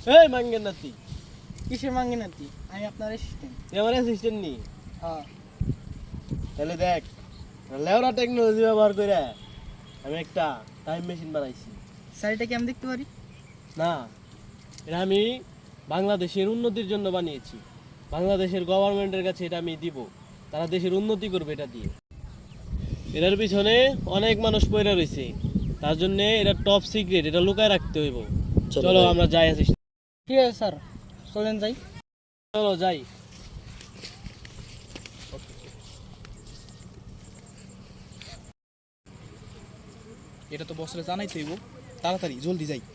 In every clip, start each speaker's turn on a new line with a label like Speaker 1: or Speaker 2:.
Speaker 1: এই মাঙ্গের নাতি,
Speaker 2: কিসের মাঙ্গি নাতি? আমি আপনার অ্যাসিস্ট্যান্ট।
Speaker 1: তুই আমার অ্যাসিস্ট্যান্ট নি?
Speaker 2: হ্যাঁ।
Speaker 1: তাহলে দেখ, লেওরা টেকনোলজি ব্যবহার করে আমি একটা টাইম মেশিন বানাইছি।
Speaker 2: স্যার এটা কি আমি দেখতে পারি?
Speaker 1: না, এটা আমি বাংলাদেশের উন্নতির জন্য বানিয়েছি। বাংলাদেশের গভর্নমেন্টের কাছে এটা আমি দিব, তারা দেশের উন্নতি করবে এটা দিয়ে। এটার পিছনে অনেক মানুষ পড়ে রয়েছে, তার জন্য এটা টপ সিক্রেট, এটা লুকায় রাখতে হইব। চলো আমরা যাই অ্যাসিস্ট্যান্ট।
Speaker 2: ঠিক আছে স্যার, চলেন যাই।
Speaker 1: চলো যাই।
Speaker 3: এটা তো বসরে জানাই তৈব, তাড়াতাড়ি জলদি যাই।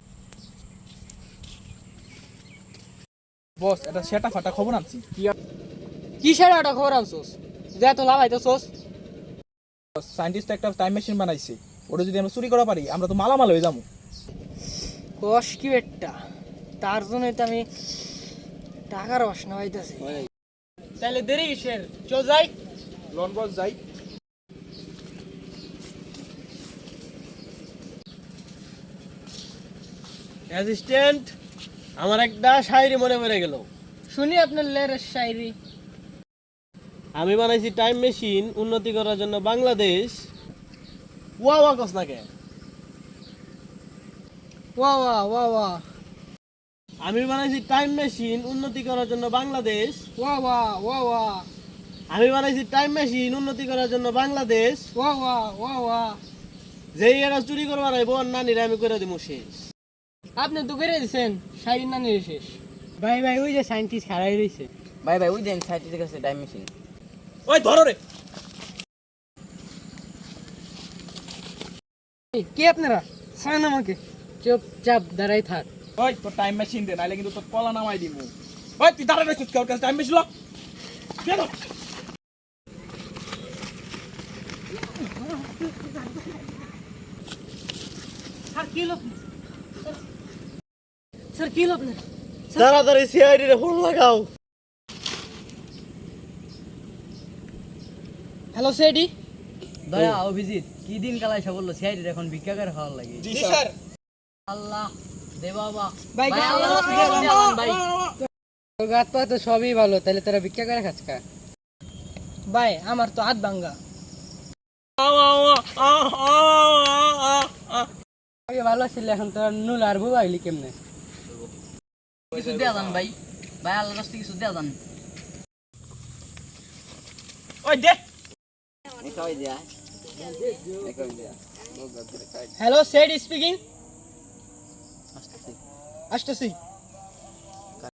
Speaker 3: বস, এটা সেটা ফাটা খবর আনছি।
Speaker 2: কিসের একটা খবর আনছোস যে এত লাভ আইতেছোস?
Speaker 3: সায়েন্টিস্ট একটা টাইম মেশিন বানাইছে, ওটা যদি আমরা চুরি করা পারি আমরা তো মালামাল হয়ে যাবো।
Speaker 2: কষ কি একটা, তার জন্যই তো আমি টাকার বাসনা পাইতেছি। তাহলে দেরি কিসের, চল যাই।
Speaker 3: লন বস যাই।
Speaker 1: অ্যাসিস্ট্যান্ট, আমার একটা শায়রি মনে পড়ে গেল।
Speaker 2: শুনি আপনার লেরের শায়রি।
Speaker 1: আমি বানাইছি টাইম মেশিন উন্নতি করার জন্য বাংলাদেশ। ওয়া ওয়া কস না কে?
Speaker 2: ওয়া ওয়া ওয়া ওয়া
Speaker 1: আমি বানাইছি টাইম মেশিন উন্নতি করার জন্য বাংলাদেশ।
Speaker 2: ওয়া ওয়া ওয়া ওয়া
Speaker 1: আমি বানাইছি টাইম মেশিন উন্নতি করার জন্য বাংলাদেশ।
Speaker 2: ওয়া ওয়া ওয়া ওয়া
Speaker 1: যেই এরা চুরি করবার আইব আর নানিরা আমি করে দিব শেষ।
Speaker 2: আপনি তো করে দিয়েছেন শায়রি না নিয়ে শেষ। ভাই ভাই ওই যে সায়েন্টিস্ট হারাই রয়েছে।
Speaker 4: ভাই ভাই ওই দেন সাইটের কাছে টাইম মেশিন।
Speaker 3: ওই ধরো রে।
Speaker 2: কে আপনারা? ছাড়েন আমাকে। চুপচাপ দাঁড়াই থাক।
Speaker 3: ওই তোর টাইম মেশিন দে, নাইলে কিন্তু তোর কলা নামাই দিব। ওই তুই দাঁড়া রইছিস কেউ কাছে টাইম মেশিন ল। দে দাও।
Speaker 2: স্যার কি লোক? স্যার কি লোক?
Speaker 1: তাড়াতাড়ি সিআইডি রে ফোন লাগাও।
Speaker 2: হ্যালো সেডি।
Speaker 4: দয়া অভিজিৎ কি দিন কালাই সব বললো সিআইডির এখন ভিক্ষা করে খাওয়ার লাগে।
Speaker 3: জি স্যার।
Speaker 4: আল্লাহ দে বাবা।
Speaker 2: ভাই,
Speaker 4: ভাই আল্লাহ রাস্তায় দেওয়ান ভাই।
Speaker 2: তোর গাত পা তো সবই ভালো, তাহলে তোরা ভিক্ষা করে খাস কা? ভাই আমার তো হাত ভাঙ্গা। আগে ভালো ছিল, এখন তোর নুল আর বুবা হইলি কেমনে?
Speaker 4: কিছু দেয়া যান ভাই। ভাই আল্লাহ রাস্তায় কিছু দেয়া যান।
Speaker 3: ওই দে।
Speaker 4: খাওয়াই দেয়া।
Speaker 2: হ্যালো সেডি স্পিকিং।
Speaker 4: আসতেছি।
Speaker 2: আসতেছি।